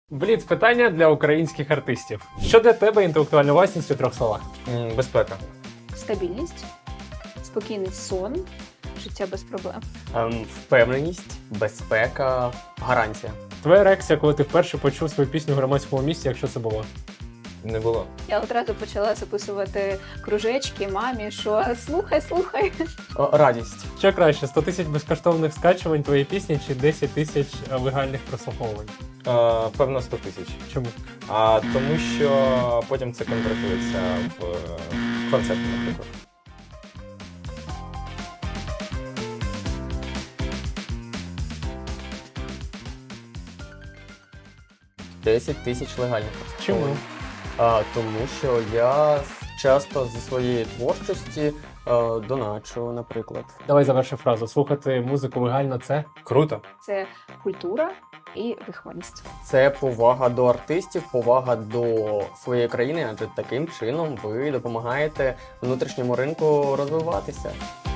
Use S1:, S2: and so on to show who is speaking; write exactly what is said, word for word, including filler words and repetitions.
S1: Бліц питання для українських артистів. Що для тебе інтелектуальна власність у трьох словах?
S2: М, Безпека.
S3: Стабільність, спокійний сон, життя без проблем.
S2: Ем, Впевненість, безпека, гарантія.
S1: Твоя реакція, коли ти вперше почув свою пісню в громадському місці, якщо це було?
S2: Не було.
S3: Я одразу почала записувати кружечки мамі, що слухай, слухай.
S2: О, радість.
S1: Що краще, сто тисяч безкоштовних скачувань твоєї пісні чи десять тисяч легальних прослуховувань?
S2: Е, Певно, сто тисяч.
S1: Чому?
S2: А тому що потім це конвертується в е, концерт, наприклад. десять тисяч легальних.
S1: Чому?
S2: А, тому що я часто зі своєї творчості е, доначу, наприклад.
S1: Давай заверши фразу. Слухати музику легально це?
S2: Круто.
S3: Це культура і вихованість.
S2: Це повага до артистів, повага до своєї країни, адже таким чином ви допомагаєте внутрішньому ринку розвиватися.